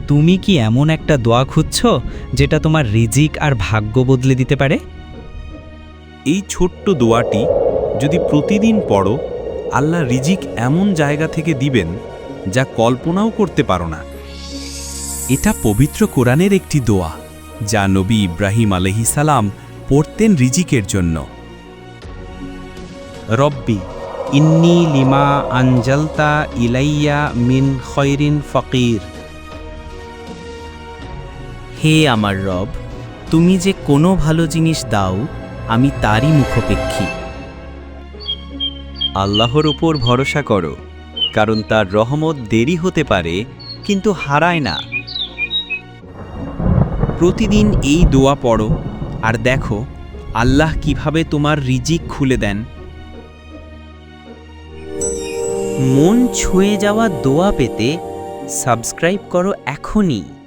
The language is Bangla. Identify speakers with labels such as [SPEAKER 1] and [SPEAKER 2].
[SPEAKER 1] তুমি কি এমন একটা দোয়া খুঁজছ যেটা তোমার রিজিক আর ভাগ্য বদলে দিতে পারে?
[SPEAKER 2] এই ছোট্ট দোয়াটি যদি প্রতিদিন পড়ো, আল্লাহ রিজিক এমন জায়গা থেকে দিবেন যা কল্পনাও করতে পারো না। এটা পবিত্র কোরআনের একটি দোয়া যা নবী ইব্রাহিম আলাইহিস সালাম পড়তেন রিজিকের জন্য।
[SPEAKER 1] রব্বি ইন্নী লিমা আনজালতা ইলাইয়া মিন খয়রিন ফকির। হে আমার রব, তুমি যে কোনো ভালো জিনিস দাও, আমি তারই মুখাপেক্ষী।
[SPEAKER 3] আল্লাহর উপর ভরসা করো, কারণ তার রহমত দেরি হতে পারে কিন্তু হারায় না।
[SPEAKER 2] প্রতিদিন এই দোয়া পড়ো আর দেখো আল্লাহ কিভাবে তোমার রিজিক খুলে দেন।
[SPEAKER 1] মন ছুঁয়ে যাওয়া দোয়া পেতে সাবস্ক্রাইব করো এখনই।